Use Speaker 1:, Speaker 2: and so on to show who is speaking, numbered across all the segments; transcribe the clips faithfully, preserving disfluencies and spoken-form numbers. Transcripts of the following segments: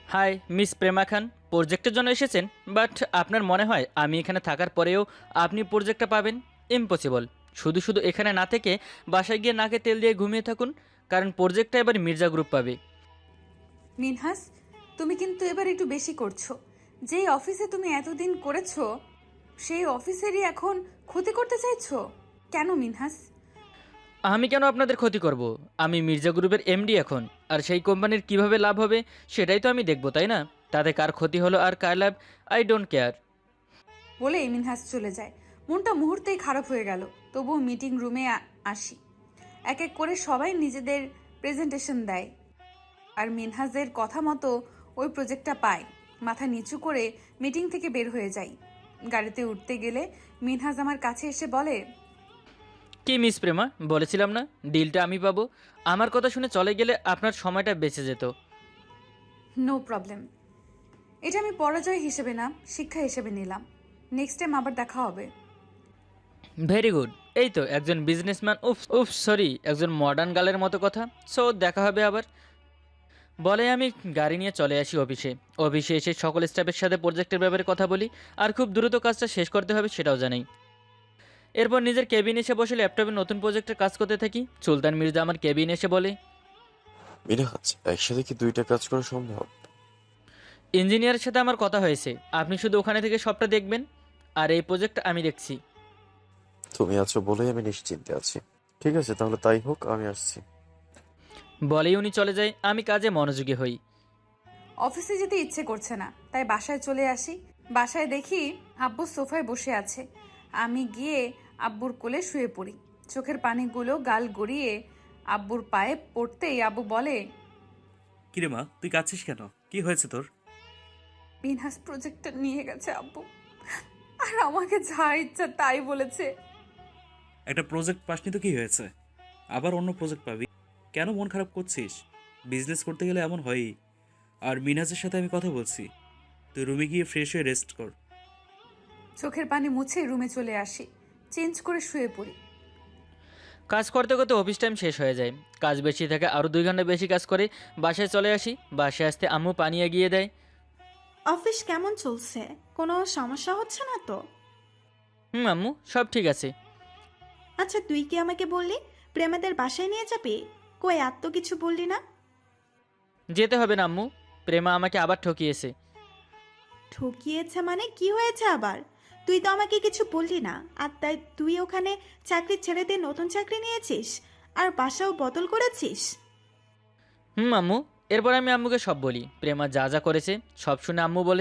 Speaker 1: High miss Prema খান, প্রজেক্টের জন্য এসেছেন? বাট আপনার মনে হয় আমি এখানে থাকার পরেও আপনি প্রজেক্টটা পাবেন? ইম্পসিবল। শুধু শুধু এখানে না থেকে বাসায় গিয়ে নাকে তেল দিয়ে ঘুমিয়ে থাকুন, কারণ প্রজেক্টটা এবার মির্জা গ্রুপ পাবে।
Speaker 2: মিনহাস, তুমি কিন্তু এবার একটু বেশি করছো। যেই অফিসে তুমি এতদিন করেছো সেই অফিসেরই এখন ক্ষতি করতে চাইছো কেন মিনহাস?
Speaker 1: আমি কেন আপনাদের ক্ষতি করব? আমি মির্জা গ্রুপের এমডি এখন, আর সেই কোম্পানির কিভাবে লাভ হবে সেটাই তো আমি দেখব, তাই না? তাতে কার ক্ষতি হলো আর কার লাভ, আই ডোন্ট কেয়ার।
Speaker 2: বলেই মিনহাস চলে যায়। মনটা মুহূর্তেই খারাপ হয়ে গেল। তবুও মিটিং রুমে আসি। এক এক করে সবাই নিজেদের প্রেজেন্টেশন দেয়, আর মিনহাজের কথা মতো ওই প্রজেক্টটা পাই। মাথা নিচু করে মিটিং থেকে বের হয়ে যাই। গাড়িতে উঠতে গেলে মিনহাজ আমার কাছে এসে বলে,
Speaker 1: কি মিস প্রেমা, বলেছিলাম না ডিলটা আমি পাবো? আমার কথা শুনে চলে গেলে আপনার সময়টা বেঁচে যেত।
Speaker 2: No problem. এটা আমি পরাজয় হিসেবে না, শিক্ষা হিসেবে নিলাম। নেক্সট টাইম আবার দেখা হবে।
Speaker 1: Very good. এই তো একজন বিজনেসম্যান, উফ উফ সরি, একজন মডার্ন গার্লের মতো কথা। সো দেখা হবে আবার। বলে আমি গাড়ি নিয়ে চলে আসি অফিসে। অফিসে এসে সকল স্টাফের সাথে প্রজেক্টের ব্যাপারে কথা বলি, আর খুব দ্রুত কাজটা শেষ করতে হবে সেটাও জানাই। এরপর নিজের কেবিন এসে বসে ল্যাপটপে নতুন প্রজেক্টের কাজ করতে থাকি। সুলতান মির্জা আমার কেবিন এসে বলে,
Speaker 3: মিনহাজ, একসাথে কি দুইটা কাজ করা সম্ভব?
Speaker 1: ইঞ্জিনিয়ারের সাথে আমার কথা হয়েছে, আপনি শুধু ওখানে থেকে সবটা দেখবেন, আর এই প্রজেক্ট আমি দেখছি।
Speaker 3: তুমি আছো বলেই আমি নিশ্চিন্তে আছি। ঠিক আছে, তাহলে তাই হোক, আমি আসছি।
Speaker 1: বলেই উনি চলে যায়। আমি কাজে মনোযোগী হই।
Speaker 2: অফিসে যেতে ইচ্ছে করছে না, তাই বাসায় চলে আসি। বাসায় দেখি আব্বু সোফায় বসে আছে। আমি গিয়ে আব্বুর কোলে শুয়ে পড়ি। চোখের পানিগুলো গাল গড়িয়ে আব্বুর পায়ে পড়তেই আব্বু বলে,
Speaker 4: কিরে মা, তুই কাঁদছিস কেন? কি হয়েছে তোর?
Speaker 2: মিনহাস প্রজেক্টটা নিয়ে গেছে আব্বু, আর আমাকে যা ইচ্ছা তাই বলেছে।
Speaker 4: একটা প্রজেক্ট পাসনি তো কি হয়েছে? আবার অন্য প্রজেক্ট পাবি। কেন মন খারাপ করছিস? বিজনেস করতে গেলে এমন হয়ই। আর মিনহাজের সাথে আমি কথা বলছি। তুই রুমে গিয়ে ফ্রেশ হয়ে রেস্ট কর।
Speaker 2: চোখের পানি মুছে রুমে চলে আসি। চেঞ্জ করে শুয়ে পড়ি।
Speaker 1: কাজ করতে করতে অফিস টাইম শেষ হয়ে যায়। কাজ বেশি থাকে, আরও দুই ঘন্টা বেশি কাজ করে বাসায় চলে আসি। বাসায় আসতে আম্মু পানি এগিয়ে দেয়।
Speaker 5: অফিস কেমন চলছে? কোনো সমস্যা হচ্ছে না তো?
Speaker 1: হুম আম্মু, সব ঠিক আছে।
Speaker 5: আচ্ছা, তুই কি আমাকে বললি প্রেমাদের বাসায় নিয়ে যাবি? কই, এত তো কিছু বললি না।
Speaker 1: যেতে হবে না আম্মু, প্রেমা আমাকে আবার ঠকিয়েছে।
Speaker 5: ঠকিয়েছে মানে কি হয়েছে আবার? তুই তো আমাকে কিছু বললি না। আর তাই তুই ওখানে চাকরি ছেড়ে দিয়ে নতুন চাকরি নিয়েছিস আর বাসাও বদল করেছিস?
Speaker 1: হুম আম্মু। এরপর আমি আম্মুকে সব বলি, প্রেমা যা যা করেছে সব শুনে আম্মু বলে,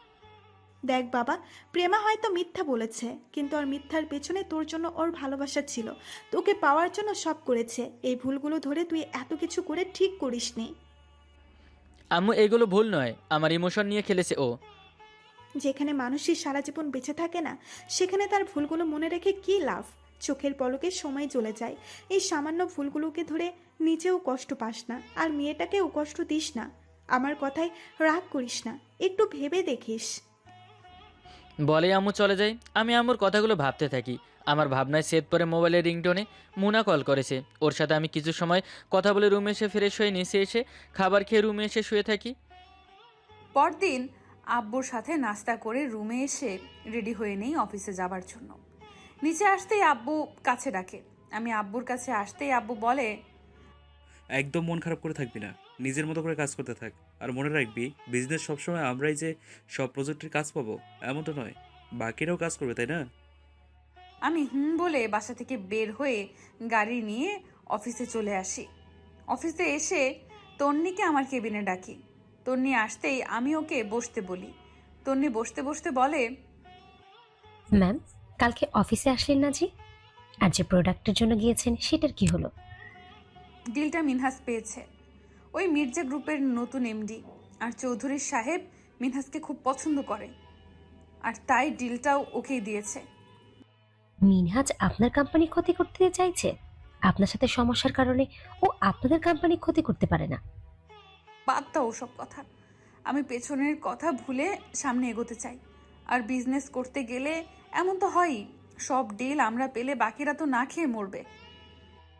Speaker 5: দেখ বাবা, প্রেমা হয়তো মিথ্যা বলেছে, কিন্তু ওর মিথ্যার পেছনে তোর জন্য ওর ভালোবাসা ছিল। তোকে পাওয়ার জন্য সব করেছে। এই ভুলগুলো ধরে তুই এত কিছু করে ঠিক করিসনি।
Speaker 1: আম্মু এগুলো ভুল নয়, আমার ইমোশন নিয়ে খেলেছে ও।
Speaker 5: যেখানে মানুষই সারা জীবন বেঁচে থাকে না, সেখানে তার ভুলগুলো মনে রেখে কী লাভ? চোখের পলকে সময় চলে যায়। এই সামান্য ভুলগুলোকে ধরে নিজেও কষ্ট পাস না, আর মেয়েটাকেও কষ্ট দিস না। আমার কথায় রাগ করিস না, একটু ভেবে দেখিস।
Speaker 1: বলে আম্মু চলে যায়। আমি আম্মুর কথাগুলো ভাবতে থাকি। আমার ভাবনায় সেদ পরে মোবাইলের রিংটোনে মুনা কল করেছে। ওর সাথে আমি কিছু সময় কথা বলে রুমে এসে ফ্রেশ হয়ে নিচে এসে খাবার খেয়ে রুমে এসে শুয়ে থাকি।
Speaker 2: পরদিন আব্বুর সাথে নাস্তা করে রুমে এসে রেডি হয়ে নেই অফিসে যাবার জন্য। নিচে আসতেই আব্বু কাছে ডাকে। আমি আব্বুর কাছে আসতেই আব্বু বলে,
Speaker 4: একদম মন খারাপ করে থাকবি না। নিজের মতো করে কাজ করতে থাক। আর মনে রাখবি, বিজনেস সবসময় আমরাই যে সব প্রজেক্টের কাজ পাবো এমনটা নয়। বাকিরাও কাজ করবে, তাই না?
Speaker 2: আমি হুম বলে বাসা থেকে বের হয়ে গাড়ি নিয়ে অফিসে চলে আসি। অফিসে এসে তন্নিকে আমার কেবিনে ডাকি। তন্নি আসতেই আমি ওকে বসতে বলি। তন্নি বসতে বসতে বলে,
Speaker 6: ম্যাম, কালকে অফিসে আসলেন না জি? আর যে প্রোডাক্টের জন্য গিয়েছেন সেটার কি হলো?
Speaker 2: ডিলটা মিনহাস পেয়েছে। ওই মির্জা গ্রুপের নতুন এমডি আর চৌধুরী সাহেব মিনহাসকে খুব পছন্দ করে, আর তাই ডিলটাও ওকেই দিয়েছে।
Speaker 6: মিনহাজ আপনার কোম্পানি ক্ষতি করতে চাইছে? আপনার সাথে সমস্যার কারণে ও আপনাদের কোম্পানি ক্ষতি করতে পারে না।
Speaker 2: বাদ দাও ওসব কথা। আমি পেছনের কথা ভুলে সামনে এগোতে চাই। আর বিজনেস করতে গেলে এমন তো হয়ই, সব ডিল আমরা পেলে বাকিরা তো না খেয়ে মরবে।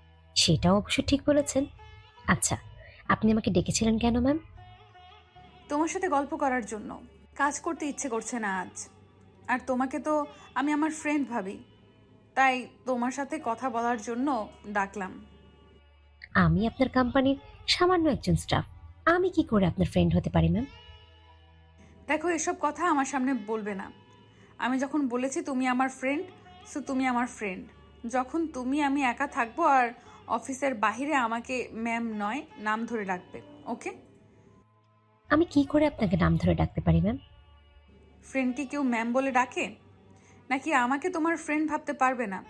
Speaker 6: সেটাও অবশ্য ঠিক বলেছেন। আচ্ছা, আপনি আমাকে ডেকেছিলেন কেন ম্যাম?
Speaker 2: তোমার সাথে গল্প করার জন্য। কাজ করতে ইচ্ছে করছে না আজ। আর তোমাকে তো আমি আমার ফ্রেন্ড ভাবি, তাই তোমার সাথে কথা বলার জন্য ডাকলাম।
Speaker 6: আমি আপনার কোম্পানির সামান্য একজন স্টাফ, আমি কি করে আপনার ফ্রেন্ড হতে পারি ম্যাম?
Speaker 2: দেখো, এসব কথা আমার সামনে বলবে না। আমি যখন বলেছি তুমি আমার ফ্রেন্ড, সো তুমি আমার ফ্রেন্ড। যখন তুমি আমি একা থাকবো আর অফিসের বাইরে আমাকে ম্যাম নয় নাম ধরে ডাকবে, ওকে?
Speaker 6: আমি কি করে আপনাকে নাম ধরে ডাকতে পারি ম্যাম?
Speaker 2: ফ্রেন্ডকে কেউ ম্যাম বলে ডাকে? নাকি আমাকে তোমার ফ্রেন্ড ভাবতে পারবে না?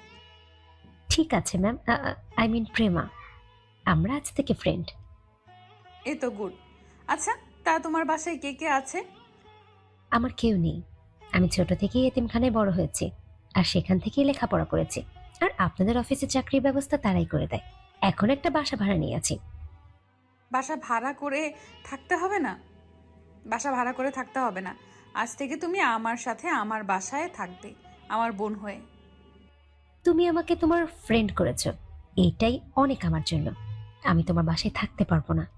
Speaker 6: ঠিক আছে ম্যাম, আই মিন প্রেমা, আমরা আজ থেকে ফ্রেন্ড।
Speaker 2: এ তো গুড। আচ্ছা, তা তোমার বাসায় কে কে আছে?
Speaker 6: আমার কেউ নেই, আমি ছোট থেকেই এতিমখানায় বড় হয়েছি, আর সেখান থেকেই লেখাপড়া করেছি। আর আপনাদের অফিসে চাকরির ব্যবস্থা তারাই করে দেয়। এখন একটা বাসা ভাড়া নিয়ে আছি।
Speaker 2: বাসা ভাড়া করে থাকতে হবে না। বাসা ভাড়া করে থাকতে হবে না। আজ থেকে তুমি আমার সাথে আমার বাসায় থাকবে, আমার বোন হয়ে।
Speaker 6: তুমি আমাকে তোমার ফ্রেন্ড করেছো, এইটাই অনেক আমার জন্য। আমি তোমার বাসায় থাকতে পারবো না।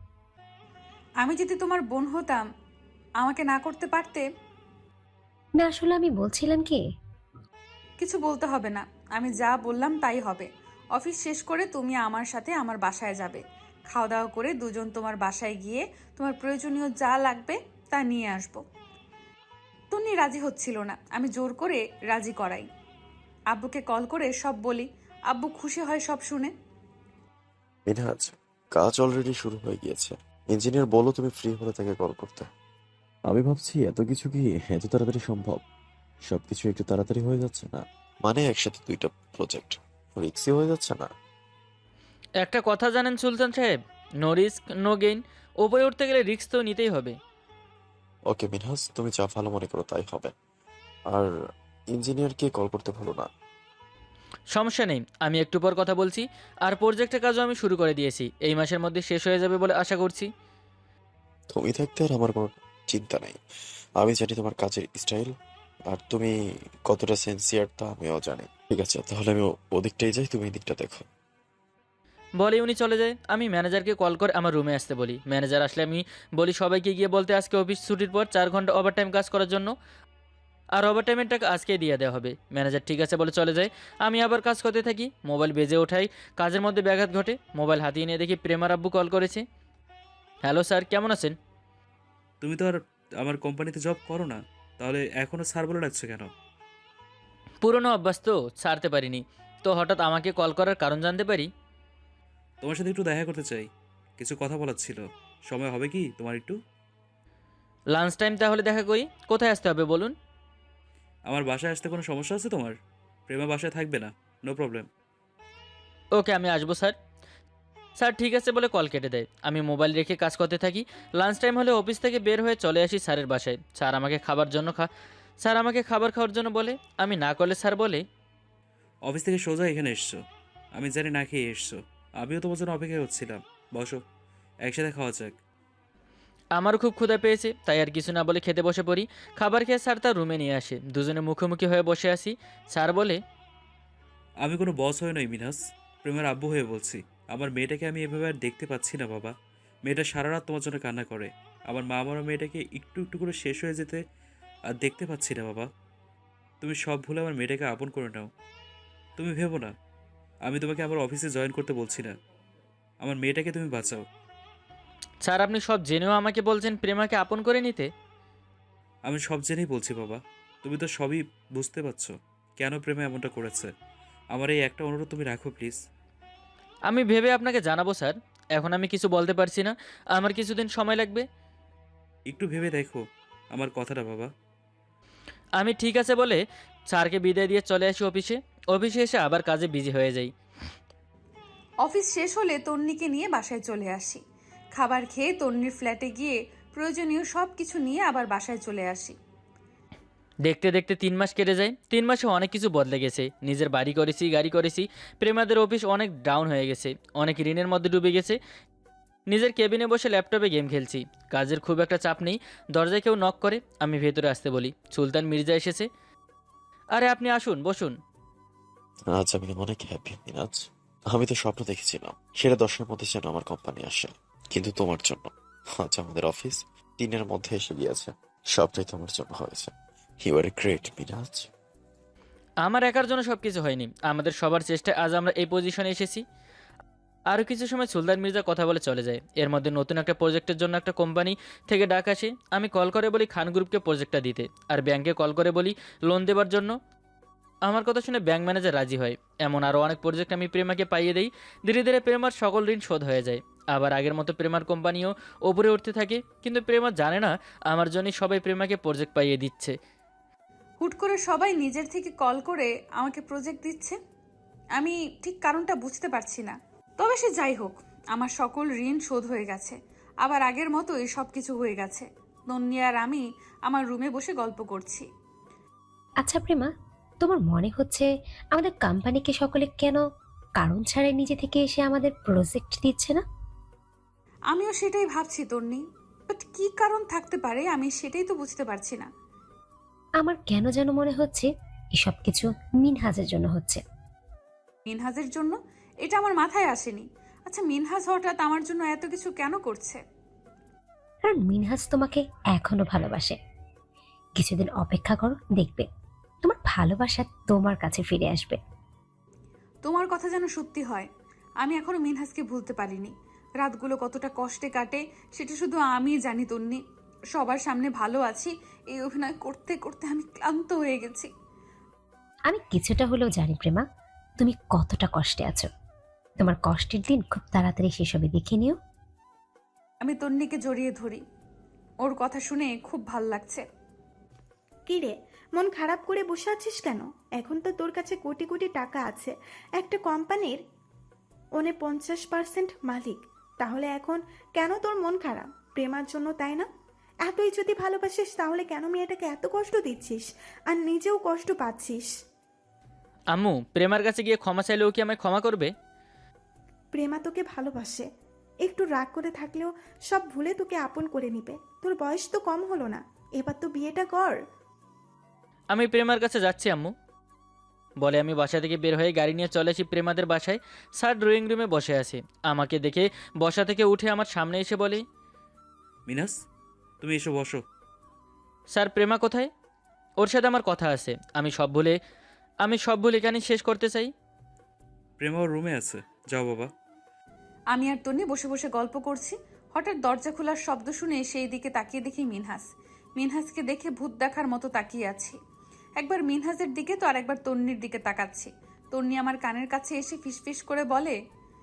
Speaker 2: আমি যদি তোমার বোন হতাম, আমাকে না করতে পারতে?
Speaker 6: না, আসলে আমি বলছিলাম কি,
Speaker 2: কিছু বলতে হবে না, আমি যা বললাম তাই হবে। অফিস শেষ করে তুমি আমার সাথে আমার বাসায় যাবে। খাওয়া দাওয়া করে দুজন তোমার বাসায় গিয়ে তোমার প্রয়োজনীয় যা লাগবে তা নিয়ে আসবো। তন্নি রাজি হচ্ছিল না, আমি জোর করে রাজি করাই। আব্বুকে কল করে সব বলি, আব্বু খুশি হয় সব শুনে।
Speaker 3: মিনহাজ, কাজ অলরেডি শুরু হয়ে গিয়েছে। ইঞ্জিনিয়ার বলো তুমি ফ্রি হলে তাকে কল করতে। আমি ভাবছি এত কিছু কি এত তাড়াতাড়ি সম্ভব? সবকিছু একটু তাড়াতাড়ি হয়ে যাচ্ছে না? মানে একসাথে দুইটা প্রজেক্ট রিক্সি হয়ে যাচ্ছে না?
Speaker 1: একটা কথা জানেন সুলতান সাহেব, নো রিস্ক নো গেইন। ওপরে উঠতে গেলে রিস্ক তো নিতেই হবে।
Speaker 3: ওকে মিনহাজ, তুমি যা ভালো মনে করো তাই হবে। আর ইঞ্জিনিয়ারকে কল করতে ভুলো না।
Speaker 1: সমস্যা নেই, আমি একটু পর কথা বলছি। আর প্রজেক্টের কাজও আমি শুরু করে দিয়েছি, এই মাসের মধ্যে শেষ হয়ে যাবে বলে আশা করছি।
Speaker 3: তুমি থাকতে আর আমার কোনো চিন্তা নেই। আমি জানি তোমার কাজের স্টাইল, আর তুমি কতটা সিনসিয়ার তা আমিও জানি। ঠিক আছে, তাহলে আমি ও- ওদিকটাই যাই, তুমি এই দিকটা দেখো।
Speaker 1: বলে উনি চলে যায়। আমি ম্যানেজারকে কল করে আমার রুমে আসতে বলি। ম্যানেজার আসলে আমি বলি সবাইকে গিয়ে বলতে আজকে অফিস ছুটির পর চার ঘন্টা ওভারটাইম কাজ করার জন্য, আর ওভারটাইমের টাকা আজকেই দিয়ে দেওয়া হবে। ম্যানেজার ঠিক আছে বলে চলে যায়। আমি আবার কাজ করতে থাকি। মোবাইল বেজে ওঠাই, কাজের মধ্যে ব্যাঘাত ঘটে। মোবাইল হাতিয়ে নিয়ে দেখি প্রেমার আব্বু কল করেছে। হ্যালো স্যার, কেমন আছেন?
Speaker 4: তুমি তো আর আমার কোম্পানিতে জব করো না, তাহলে এখনও স্যার বলে ডাকছো কেন?
Speaker 1: পুরনো অভ্যাস তো ছাড়তে পারিনি। তো হঠাৎ আমাকে কল করার কারণ জানতে পারি?
Speaker 4: তোমার সাথে একটু দেখা করতে চাই, কিছু কথা বলার ছিল। সময় হবে কি তোমার একটু?
Speaker 1: লাঞ্চ টাইম তাহলে দেখা করি। কোথায় আসতে হবে বলুন?
Speaker 4: আমার বাসায় আসতে কোনো সমস্যা আছে তোমার? প্রেমা বাসায় থাকবে না, নো প্রবলেম।
Speaker 1: ওকে, আমি আসবো স্যার। স্যার ঠিক আছে বলে কল কেটে দেয়। আমি মোবাইল রেখে কাজ করতে থাকি। লাঞ্চ টাইম হলে অফিস থেকে বের হয়ে চলে আসি স্যারের বাসায়। স্যার আমাকে খাবার জন্য খা স্যার আমাকে খাবার খাওয়ার জন্য বলে। আমি না করলে স্যার বলে,
Speaker 4: অফিস থেকে সোজা এখানে এসছো, আমি জানি না খেয়ে এসছো। আমিও তোমার জন্য অপেক্ষা করছিলাম। বসো, একসাথে খাওয়া যাক।
Speaker 1: আমারও খুব ক্ষুধা পেয়েছে, তাই আর কিছু না বলে খেতে বসে পড়ি। খাবার খেয়ে স্যার তার রুমে নিয়ে আসে। দুজনে মুখোমুখি হয়ে বসে আসি। স্যার বলে,
Speaker 4: আমি কোনো বস হয়ে নই মিনাস, প্রেমের আব্বু হয়ে বলছি। আমার মেয়েটাকে আমি এভাবে আর দেখতে পাচ্ছি না বাবা। মেয়েটা সারা রাত তোমার জন্য কান্না করে। আমার মা আমার মেয়েটাকে একটু একটু করে শেষ হয়ে যেতে আর দেখতে পাচ্ছি না বাবা। তুমি সব ভুলে আমার মেয়েটাকে আপন করে নাও। তুমি ভেবো না, আমি তোমাকে আমার অফিসে জয়েন করতে বলছি না। আমার মেয়েটাকে তুমি বাঁচাও।
Speaker 1: স্যার আপনি সব জেনেও আমাকে বলছেন প্রেমাকে আপন করে নিতে?
Speaker 4: আমি সব জেনেই বলছি বাবা, তুমি তো সবই বুঝতে পারছো কেন প্রেমে এমনটা করেছে। আমার এই একটা অনুরোধ তুমি রাখো প্লিজ।
Speaker 1: আমি ভেবে আপনাকে জানাবো স্যার। এখন আমি কিছু বলতে পারছি না, আমার কিছুদিন সময় লাগবে।
Speaker 4: একটু ভেবে দেখো আমার কথাটা বাবা।
Speaker 1: আমি ঠিক আছে বলে স্যারকে বিদায় দিয়ে চলে আসি অফিসে। অফিসে এসে আবার কাজে বিজি হয়ে যাই।
Speaker 2: অফিস শেষ হলে তন্নিকে নিয়ে বাসায় চলে আসি। খাবার খেয়ে তন্নির ফ্ল্যাটে গিয়ে প্রয়োজনীয় সব কিছু নিয়ে আবার বাসায় চলে আসি।
Speaker 1: দেখতে দেখতে তিন মাস কেটে যায়। তিন মাসে অনেক কিছু বদলে গেছে। নিজের বাড়ি করেছি, গাড়ি করেছি। প্রেমাদের অফিস অনেক ডাউন হয়ে গেছে, অনেক ঋণের মধ্যে ডুবে গেছে। নিজের কেবিনে বসে ল্যাপটপে গেম খেলছি। কাজের খুব একটা চাপ নেই। দরজায় কেউ নক করে, আমি ভেতরে আসতে বলি। সুলতান মির্জা এসেছে। আরে আপনি আসুন, বসুন।
Speaker 3: আজ আমি অনেক হ্যাপি মিনাজ। আমি তো স্বপ্ন দেখেছিলাম সেটা দশের মধ্যে যেন আমার কোম্পানি আসে, কিন্তু তোমার জন্য আজ আমাদের অফিস দিনের মধ্যে এসে গিয়েছে। সবটাই তোমার জন্য হয়েছে। You are great Minhaj.
Speaker 1: আমার একার জন্য সব কিছু হয়নি, আমাদের সবার চেষ্টায় আজ আমরা এই পজিশনে এসেছি। আরও কিছু সময় সুলতান মির্জা কথা বলে চলে যায়। এর মধ্যে নতুন একটা প্রজেক্টের জন্য একটা কোম্পানি থেকে ডাক আসে। আমি কল করে বলি খান গ্রুপকে প্রজেক্টটা দিতে, আর ব্যাংকে কল করে বলি লোন দেওয়ার জন্য। আমার কথা শুনে ব্যাংক ম্যানেজার রাজি হয়। এমন আরও অনেক প্রজেক্ট আমি প্রেমাকে পাইয়ে দিই। ধীরে ধীরে প্রেমার সকল ঋণ শোধ হয়ে যায়। আবার আগের মতো প্রেমার কোম্পানিও ওপরে উঠতে থাকে, কিন্তু প্রেমা জানে না আমার জন্যই সবাই প্রেমাকে প্রজেক্ট পাইয়ে দিচ্ছে।
Speaker 2: হুট করে সবাই নিজের থেকে কল করে আমাকে প্রজেক্ট দিচ্ছে। আমি ঠিক কারণটা বুঝতে পারছি না। তবে সে যাই হোক, আমার সকল ঋণ শোধ হয়ে গেছে। আবার আগের মতোই সব কিছু হয়ে গেছে। তন্নি আর আমি আমার রুমে বসে গল্প করছি।
Speaker 6: আচ্ছা প্রেমা, তোমার মনে হচ্ছে আমাদের কোম্পানিকে সকলে কেন কারণ ছাড়াই নিজে থেকে এসে আমাদের প্রজেক্ট দিচ্ছে না?
Speaker 2: আমিও সেটাই ভাবছি তন্নি, বাট কি কারণ থাকতে পারে আমি সেটাই তো বুঝতে পারছি না।
Speaker 6: আমার কেন যেন মনে হচ্ছে এসব কিছু মিনহাজের জন্য হচ্ছে।
Speaker 2: মিনহাজের জন্য? এটা আমার মাথায় আসেনি। আচ্ছা, মিনহাজ হঠাৎ আমার জন্য এত কিছু কেন করছে?
Speaker 6: কারণ মিনহাজ তোমাকে এখনো ভালোবাসে। কিছুদিন অপেক্ষা করো, দেখবে তোমার ভালোবাসা তোমার কাছে ফিরে আসবে।
Speaker 2: তোমার কথা যেন সত্যি হয়। আমি এখনো মিনহাজকে ভুলতে পারিনি। রাতগুলো কতটা কষ্টে কাটে সেটা শুধু আমিই জানি তন্নি। সবার সামনে ভালো আছি, এই অভিনয় করতে করতে আমি ক্লান্ত হয়ে গেছি।
Speaker 6: আমি কিছুটা হলেও জানি প্রেমা, তুমি কতটা কষ্টে আছো। তোমার কষ্টের দিন খুব তাড়াতাড়ি শেষ হবে, দেখে নিও।
Speaker 2: আমি তন্নিকে জড়িয়ে ধরি। ওর কথা শুনে খুব ভাল লাগছে।
Speaker 5: কি রে, মন খারাপ করে বসে আছিস কেন? এখন তো তোর কাছে কোটি কোটি টাকা আছে, একটা কোম্পানির ওনে পঞ্চাশ পার্সেন্ট মালিক। তাহলে এখন কেন তোর মন খারাপ? প্রেমার জন্য, তাই না? এতই যদি ভালোবাসিস তাহলে কেন মেয়েটাকে এত কষ্ট দিচ্ছিস আর নিজেও কষ্ট পাচ্ছিস?
Speaker 1: আম্মু, প্রেমার কাছে গিয়ে ক্ষমা চাইলেও কি আমায় ক্ষমা করবে?
Speaker 5: প্রেমা তোকে ভালোবাসে। একটু রাগ করে থাকলেও সব ভুলে তোকে আপন করে নিবে। তোর বয়স তো কম হলো না, এবার তো বিয়েটা কর।
Speaker 1: আমি প্রেমার কাছে যাচ্ছি আম্মু, বলে আমি বাসা থেকে বের হয়ে গাড়ি নিয়ে চলে আসি প্রেমাদের বাসায়। স্যার ড্রয়িং রুমে বসে আছে। আমাকে দেখে বসা থেকে উঠে আমার সামনে এসে বলে,
Speaker 4: মিনাস, তুমি এসো বসো।
Speaker 1: স্যার প্রেমা কোথায়? ওর সাথে আমার কথা আছে। আমি সব ভুলে আমি সব ভুল এখানে শেষ করতে চাই।
Speaker 4: প্রেমা ওর রুমে আছে, যাও বাবা।
Speaker 2: আমি আর তন্নি বসে বসে গল্প করছি। হঠাৎ দরজা খোলার শব্দ শুনে সেই দিকে তাকিয়ে দেখি মিনহাজ। মিনহাজকে দেখে ভূত দেখার মতো তাকিয়ে আছি। একবার মিনহাজের দিকে তো আর একবার তন্নির দিকে তাকাচ্ছি। তন্নি আমার কানের কাছে এসে ফিসফিস করে বলে,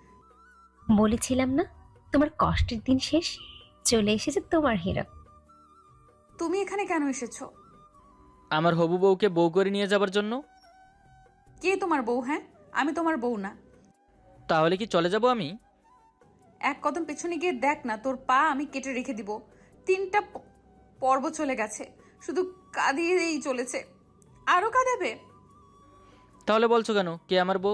Speaker 6: বলেছিলাম না তোমার কষ্টের দিন শেষ, চলে এসেছে তোমার হিরো।
Speaker 2: তুমি এখানে কেন এসেছো?
Speaker 1: আমার হবু বউকে বউ করে নিয়ে যাবার জন্য।
Speaker 2: কে তোমার বউ? হ্যাঁ, আমি তোমার বউ না।
Speaker 1: তাহলে কি চলে যাব আমি?
Speaker 2: এক কদম পেছনে গিয়ে দেখ না, তোর পা আমি কেটে রেখে দিব। তিনটা প- পর্ব চলে গেছে, শুধু কাঁদিয়েই চলেছে। আরো কাঁদাবে?
Speaker 1: তাহলে বলছো কেন কে আমার বউ?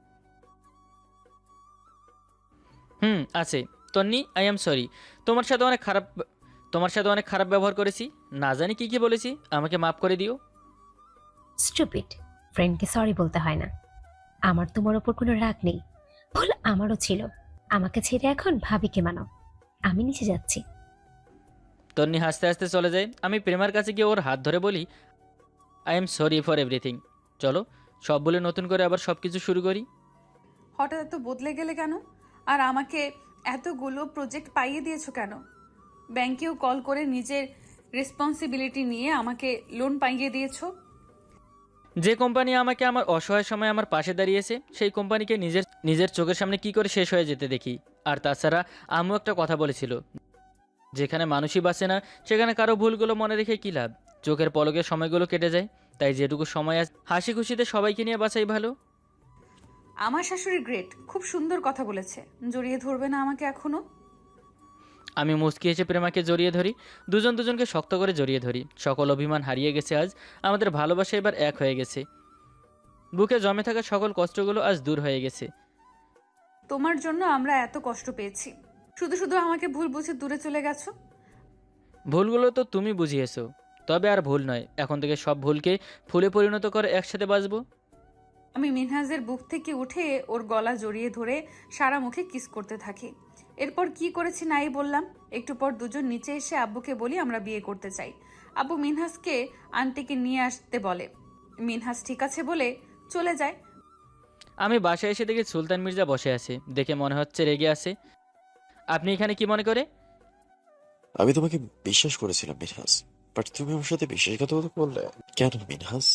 Speaker 1: হুম, আছে। Tonni, I am sorry. তোমার সাথে অনেক খারাপ তোমার সাথে অনেক খারাপ ব্যবহার করেছি। না জানি কি কি বলেছি, আমাকে মাফ করে দিও।
Speaker 6: স্টুপিড, ফ্রেন্ডকে সরি বলতে হয় না। আমার তোমার ওপর কোনো রাগ নেই, ভুল আমারও ছিল। আমাকে ছেড়ে এখন ভাবিকে মানাও, আমি নিচে যাচ্ছি।
Speaker 1: তন্নি হাসতে হাসতে চলে যায়। আমি প্রেমার কাছে গিয়ে ওর হাত ধরে বলি, I am sorry for everything. চলো সব বলে নতুন করে আবার সব কিছু শুরু করি।
Speaker 2: হঠাৎ এত বদলে গেলে কেন? আর আমাকে এতগুলো প্রজেক্ট পাইয়ে দিয়েছো কেন? ব্যাংকেও কল করে নিজের রেসপন্সিবিলিটি নিয়ে আমাকে লোন পাইয়ে দিয়েছো।
Speaker 1: যে কোম্পানি আমাকে আমার অসহায় সময় আমার পাশে দাঁড়িয়েছে, সেই কোম্পানিকে নিজের নিজের চোখের সামনে কি করে শেষ হয়ে যেতে দেখি। আর তাছাড়া আম্মু একটা কথা বলেছিল, যেখানে মানুষই বাঁচে না সেখানে কারো ভুলগুলো মনে রেখে কী লাভ। চোখের পলকে সময়গুলো কেটে যায়। তাই যেটুকু সময় আছে হাসি খুশিতে সবাইকে নিয়ে বাঁচাই ভালো।
Speaker 2: আমার শাশুড়ি গ্রেট, খুব সুন্দর কথা বলেছে। জড়িয়ে ধরবে না আমাকে এখনো?
Speaker 1: আমি মুচকি এসে প্রেমাকে জড়িয়ে ধরি। দুজন দুজনকে শক্ত করে জড়িয়ে ধরি। সকল অভিমান হারিয়ে গেছে আজ। আমাদের ভালোবাসা এবার এক হয়ে গেছে। বুকে জমে থাকা সকল কষ্টগুলো আজ দূর হয়ে গেছে।
Speaker 2: তোমার জন্য আমরা এত কষ্ট পেয়েছি, শুধু শুধু আমাকে ভুল বুঝে দূরে চলে গেছো।
Speaker 1: ভুলগুলো তো তুমি বুঝিয়েছো, তবে আর ভুল নয়। এখন থেকে সব ভুলকে ফুলে পরিণত করে একসাথে বাঁচবো।
Speaker 2: আমি মিনহাজের বুক থেকে উঠে ওর গলা জড়িয়ে ধরে সারা মুখে কিস করতে থাকি। এরপর কি করেছি নাই বললাম। একটু পর দুজন নিচে এসে আব্বুকে বলি আমরা বিয়ে করতে চাই। আব্বু মিনহাসকে আন্টিকে নিয়ে আসতে বলে। মিনহাস ঠিক আছে বলে চলে যায়।
Speaker 1: আমি বাসায় এসে দেখি সুলতান মির্জা বসে আছে, দেখে মনে হচ্ছে রেগে আছে। আপনি এখানে কি মনে করে?
Speaker 3: আমি তোমাকে বিশ্বাস করেছিলাম মিনহাস, বাট তুমি আমার সাথে বিশ্বাসঘাতকতা করলে কেন মিনহাস?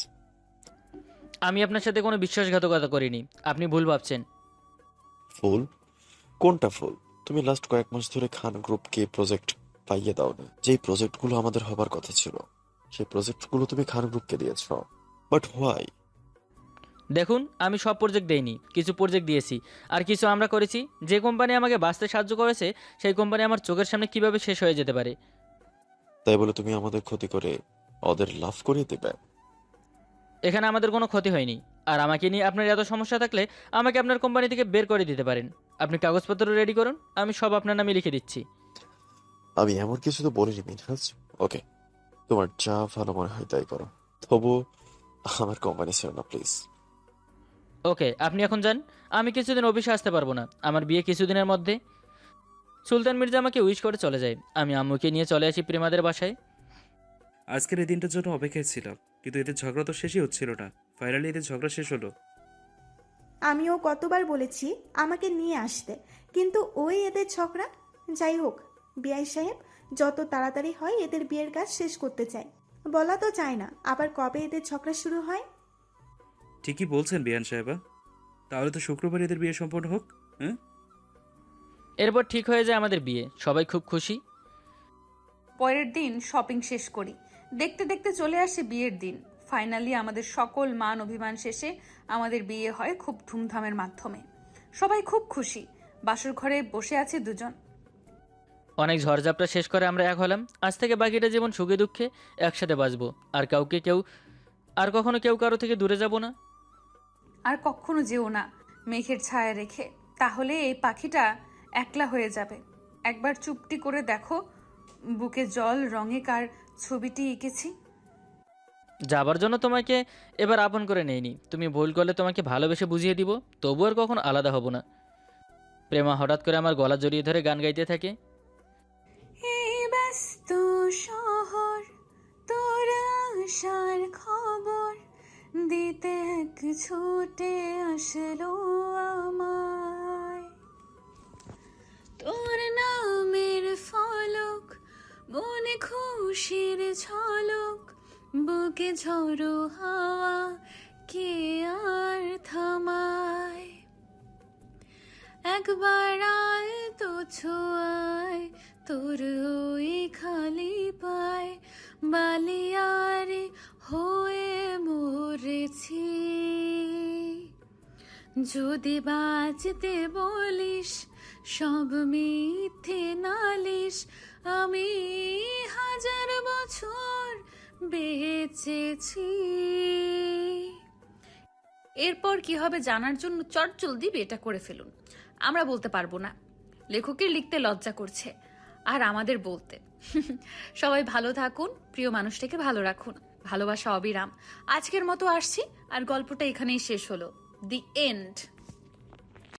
Speaker 1: আমি আপনার সাথে কোনো বিশ্বাসঘাতকতা করিনি, আপনি ভুল ভাবছেন।
Speaker 3: ফুল? কোনটা ফুল? তুমি লাস্ট কয়েক মাস ধরে খান গ্রুপকে প্রজেক্ট পাইয়ে দাও না। যেই প্রজেক্টগুলো আমাদের হবার কথা ছিল সেই প্রজেক্টগুলো তুমি খান গ্রুপকে দিয়েছ, বাট হোয়াই?
Speaker 1: দেখুন, আমি সব প্রজেক্ট দেইনি, কিছু প্রজেক্ট দিয়েছি, আর কিছু আমরা করেছি। যে কোম্পানি আমাকে বাঁচতে সাহায্য করেছে সেই কোম্পানি আমার চোখের সামনে কিভাবে শেষ হয়ে যেতে পারে?
Speaker 3: তাই বলে তুমি আমাদের ক্ষতি করে ওদের লাভ করিয়ে দেবে?
Speaker 1: এখানে আমাদের কোনো ক্ষতি হয়নি, আর আমাকে নিয়ে আপনার এত সমস্যা থাকলে আমাকে আপনার কোম্পানি থেকে বের করে দিতে পারেন। আপনি কাগজপত্র রেডি করুন, আমি সব আপনার নামে লিখে দিচ্ছি।
Speaker 3: আমি এমন কিছু তো বলিনি মিনহাস। ওকে, তোমার যা ভালো মনে হয় তাই করো, তবু আমার কোম্পানি ছিল না প্লিজ।
Speaker 1: ওকে, আপনি এখন যান। আমি কিছুদিন অফিসে আসতে পারবো না, আমার বিয়ে কিছুদিনের মধ্যে। সুলতান মির্জা আমাকে উইশ করে চলে যায়। আমি আম্মুকে নিয়ে চলে আসি প্রেমাদের বাসায়।
Speaker 4: আজকের এই দিনটার জন্য অপেক্ষায় ছিলাম, কিন্তু এদের ঝগড়া তো শেষই হচ্ছিল না। ফাইনালি এদের ঝগড়া শেষ হলো।
Speaker 5: আমিও কতবার বলেছি আমাকে নিয়ে আসতে, কিন্তু ওই এদের ঝগড়া। যাই হোক, বিআই সাহেব যত তাড়াতাড়ি হয় এদের বিয়ের কাজ শেষ করতে চাই। বলা তো চায় না আবার কবে এদের ঝগড়া শুরু হয়।
Speaker 4: ঠিকই বলছেন বিয়ান সাহেবা, তাহলে তো শুক্রবার এদের বিয়ে সম্পন্ন হোক। হ্যাঁ,
Speaker 1: এরপর ঠিক হয়ে যায় আমাদের বিয়ে, সবাই খুব খুশি।
Speaker 2: পরের দিন শপিং শেষ করি, দেখতে দেখতে চলে আসে বিয়ের দিন। ফাইনালি আমাদের সকল মান অভিমান শেষে আমাদের বিয়ে হয় খুব ধুমধামের মাধ্যমে। সবাই খুব খুশি। বাসর ঘরে বসে আছে দুজন।
Speaker 1: অনেক ঝড়ঝাপটা শেষ করে আমরা এক হলাম। আজ থেকে বাকিটা জীবন সুখে দুঃখে একসাথে বাঁচবো, আর কাউকে কেউ আর কখনো কেউ কারো থেকে দূরে যাব না।
Speaker 2: আর কখনো যেও না মেঘের ছায়া রেখে, তাহলে এই পাখিটা একলা হয়ে যাবে। একবার চুপটি করে দেখো বুকে জল রঙে কার ছবিটি এঁকেছি।
Speaker 1: যাবার জন্য তোমাকে এবার আপন করে নেইনি, তুমি ভুল করলে তোমাকে ভালোবেসে বুঝিয়ে দিব, তবু আর কখনো আলাদা হব না। প্রেমা হঠাৎ করে আমার গলা জড়িয়ে ধরে গান গাইতে থাকে।
Speaker 2: এই ব্যস্ত শহর তোর আসার খবর দিতে এক ছুটে আসলো আমায়। তোর নামের ফলক মনে খুশির ঝলক, বুকে ঝড়ো হাওয়া কে আর থামায়। একবার আয় তো ছোঁয়ায় তোর ওই খালি পায়, বালিয়ারে হয়ে মরেছি। যদি বাঁচতে বলিস সব মিথ্যে নালিশ, আমি হাজার বছর বেঁচেছি। এরপর কি হবে জানার জন্য চটজলদি বিয়েটা করে ফেলুন। আমরা বলতে পারবো না, লেখকের লিখতে লজ্জা করছে, আর আমাদের বলতে। সবাই ভালো থাকুন, প্রিয় মানুষটাকে ভালো রাখুন, ভালোবাসা অবিরাম। আজকের মতো আসছি, আর গল্পটা এখানেই শেষ হলো। The and.